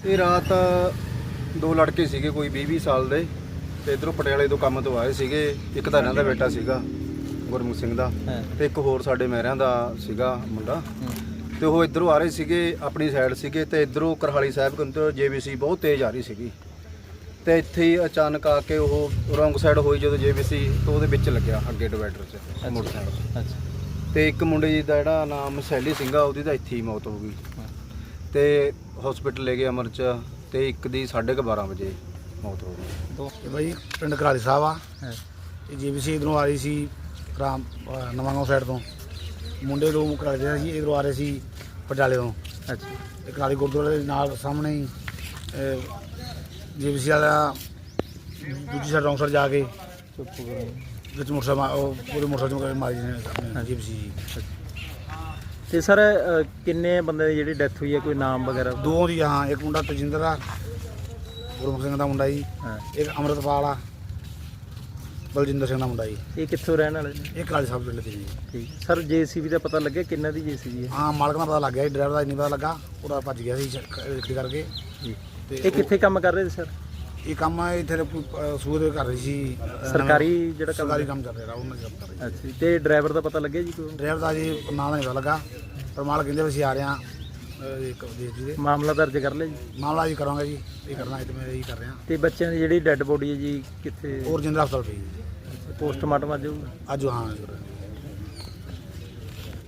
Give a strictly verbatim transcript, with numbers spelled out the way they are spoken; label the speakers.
Speaker 1: ਇਹ ਰਾਤ ਦੋ ਲੜਕੇ ਸੀਗੇ ਕੋਈ ਵੀਹ ਵੀਹ ਸਾਲ ਦੇ ਤੇ ਇਧਰੋਂ ਪਟਿਆਲੇ ਤੋਂ ਕੰਮ ਤੋਂ ਆਏ ਸੀਗੇ। ਇੱਕ ਤਾਂ ਇਹਨਾਂ ਦਾ ਬੇਟਾ ਸੀਗਾ ਗੁਰਮੁਖ ਸਿੰਘ ਦਾ ਤੇ ਇੱਕ ਹੋਰ ਸਾਡੇ ਮਹਿਰਿਆਂ ਦਾ ਸੀਗਾ ਮੁੰਡਾ ਤੇ ਉਹ ਇਧਰੋਂ ਆ ਰਹੇ ਸੀਗੇ ਆਪਣੀ ਸਾਈਡ ਸੀਗੇ ਤੇ ਇਧਰੋਂ ਕਰਹਾਲੀ ਸਾਹਿਬ ਕੰਤੋਂ ਜੇਬੀਸੀ ਬਹੁਤ ਤੇਜ਼ ਆ ਰਹੀ ਸੀਗੀ ਤੇ ਇੱਥੇ ਹੀ ਅਚਾਨਕ ਆ ਕੇ ਉਹ ਰੋਂਗ ਸਾਈਡ ਹੋਈ ਜਦੋਂ ਜੇਬੀਸੀ ਤੋਂ ਉਹਦੇ ਵਿੱਚ ਲੱਗਿਆ ਅੱਗੇ ਡਿਵਾਈਡਰ 'ਚ ਮੋਟਰਸਾਈਕਲ। ਅੱਛਾ। ਤੇ ਇੱਕ ਮੁੰਡੇ ਜੀ ਦਾ ਜਿਹੜਾ ਨਾਮ ਸੈਲੀ ਸਿੰਘ ਆ ਉਹਦੀ ਤਾਂ ਇੱਥੇ ਹੀ ਮੌਤ ਹੋ ਗਈ ਤੇ ਹਸਪੀਟਲ ਲੈ ਗਏ ਅਮਰ 'ਚ ਤੇ ਇੱਕ ਦੀ ਸਾਢੇ ਕੁ ਬਾਰਾਂ ਵਜੇ ਮੌਤ ਹੋ ਗਈ।
Speaker 2: ਇਹ ਬਾਈ ਪਿੰਡ ਕਰਾਲੀ ਸਾਹਿਬ ਆ। ਇਹ ਜੀਬੀਸੀ ਇਧਰੋਂ ਆ ਰਹੀ ਸੀ ਰਾਮ ਨਵਾਂਗਾঁव ਸਾਈਡ ਤੋਂ। ਮੁੰਡੇ ਦੋ ਕਰਾਲੀ ਸੀ ਇਧਰੋਂ ਆ ਰਹੇ ਸੀ ਪਟਿਆਲੇ ਤੋਂ। ਅੱਛਾ। ਇਹ ਕਰਾਲੀ ਗੁਰਦੁਆਰੇ ਦੇ ਨਾਲ ਸਾਹਮਣੇ ਹੀ ਜੀਬੀਸੀ ਵਾਲਾ ਦੂਜੀ ਸਾਈਡ ਰੌਂਗ ਸਾਈਡ ਜਾ ਕੇ ਵਿੱਚ ਮੋਟਰਸਾਈਕਲ ਉਹ ਪੂਰੇ ਮੋਟਰਸਾਈਕਲ ਮਾਰੀ ਨੇ ਜੀਬੀਸੀ ਜੀ।
Speaker 3: ਤੇ ਸਰ ਕਿੰਨੇ ਬੰਦੇ ਦੀ ਜਿਹੜੀ ਡੈਥ ਹੋਈ ਹੈ ਕੋਈ ਨਾਮ ਵਗੈਰਾ?
Speaker 2: ਦੋ ਦੀ ਹਾਂ, ਇੱਕ ਮੁੰਡਾ ਤਜਿੰਦਰ ਆ ਗੁਰਮੁਖ ਸਿੰਘ ਦਾ ਮੁੰਡਾ ਜੀ, ਇੱਕ ਅੰਮ੍ਰਿਤਪਾਲ ਆ ਬਲਜਿੰਦਰ ਸਿੰਘ ਦਾ ਮੁੰਡਾ ਜੀ।
Speaker 3: ਇਹ ਕਿੱਥੋਂ ਰਹਿਣ ਵਾਲੇ ਨੇ?
Speaker 2: ਇਹ ਕਰਾਲੀ ਸਾਹਿਬ ਪਿੰਡ ਦੇ ਜੀ।
Speaker 3: ਠੀਕ ਸਰ। ਜੇਸੀਬੀ ਦਾ ਪਤਾ ਲੱਗਿਆ ਕਿੰਨਾ ਦੀ ਜੇਸੀਬੀ ਹੈ?
Speaker 2: ਹਾਂ, ਮਾਲਕ ਦਾ ਪਤਾ ਲੱਗ ਗਿਆ ਜੀ, ਡਰਾਈਵਰ ਦਾ ਨਹੀਂ ਪਤਾ ਲੱਗਾ, ਉਹਦਾ ਭੱਜ ਗਿਆ ਸੀ ਗੱਡੀ ਕਰਕੇ
Speaker 3: ਜੀ।
Speaker 2: ਤੇ
Speaker 3: ਇਹ ਕਿੱਥੇ ਕੰਮ ਕਰ ਰਹੇ ਸੀ ਸਰ?
Speaker 2: ਇਹ ਕੰਮ ਇੱਥੇ ਸੂਰ ਕਰ ਰਹੀ ਸੀ
Speaker 3: ਸਰਕਾਰੀ ਜਿਹੜਾ ਕੰਮ
Speaker 2: ਸਰਕਾਰੀ ਕੰਮ ਚੱਲ ਰਿਹਾ ਉਹਨਾਂ ਦਾ ਕੰਮ ਕਰ ਰਹੀ।
Speaker 3: ਅੱਛਾ। ਤੇ ਡਰਾਈਵਰ ਦਾ ਪਤਾ ਲੱਗਿਆ ਜੀ ਕੋਈ?
Speaker 2: ਡਰਾਈਵਰ ਦਾ ਜੀ ਨਾਂ ਦਾ ਨਹੀਂ ਪਤਾ ਲੱਗਾ, ਪਰ ਮਾਲਕ ਕਹਿੰਦੇ ਵੀ ਅਸੀਂ ਆ ਰਹੇ ਹਾਂ ਇੱਕ ਜੀ ਦੇ
Speaker 3: ਮਾਮਲਾ ਦਰਜ ਕਰ ਲਿਆ ਜੀ?
Speaker 2: ਮਾਮਲਾ ਜੀ ਕਰਾਂਗੇ ਜੀ, ਇਹ ਕਰਨਾ ਇਹ ਮੈਂ ਇਹੀ ਕਰ ਰਿਹਾ।
Speaker 3: ਤੇ ਬੱਚਿਆਂ ਦੀ ਜਿਹੜੀ ਡੈੱਡ ਬੋਡੀ ਹੈ ਜੀ ਕਿੱਥੇ?
Speaker 2: ਉਹ ਰਜਿੰਦਰ ਹਸਪਤਾਲ ਪਈ ਜੀ।
Speaker 3: ਪੋਸਟਮਾਰਟਮ ਅੱਜ ਹੋਊਗਾ?
Speaker 2: ਅੱਜ ਹਾਂ।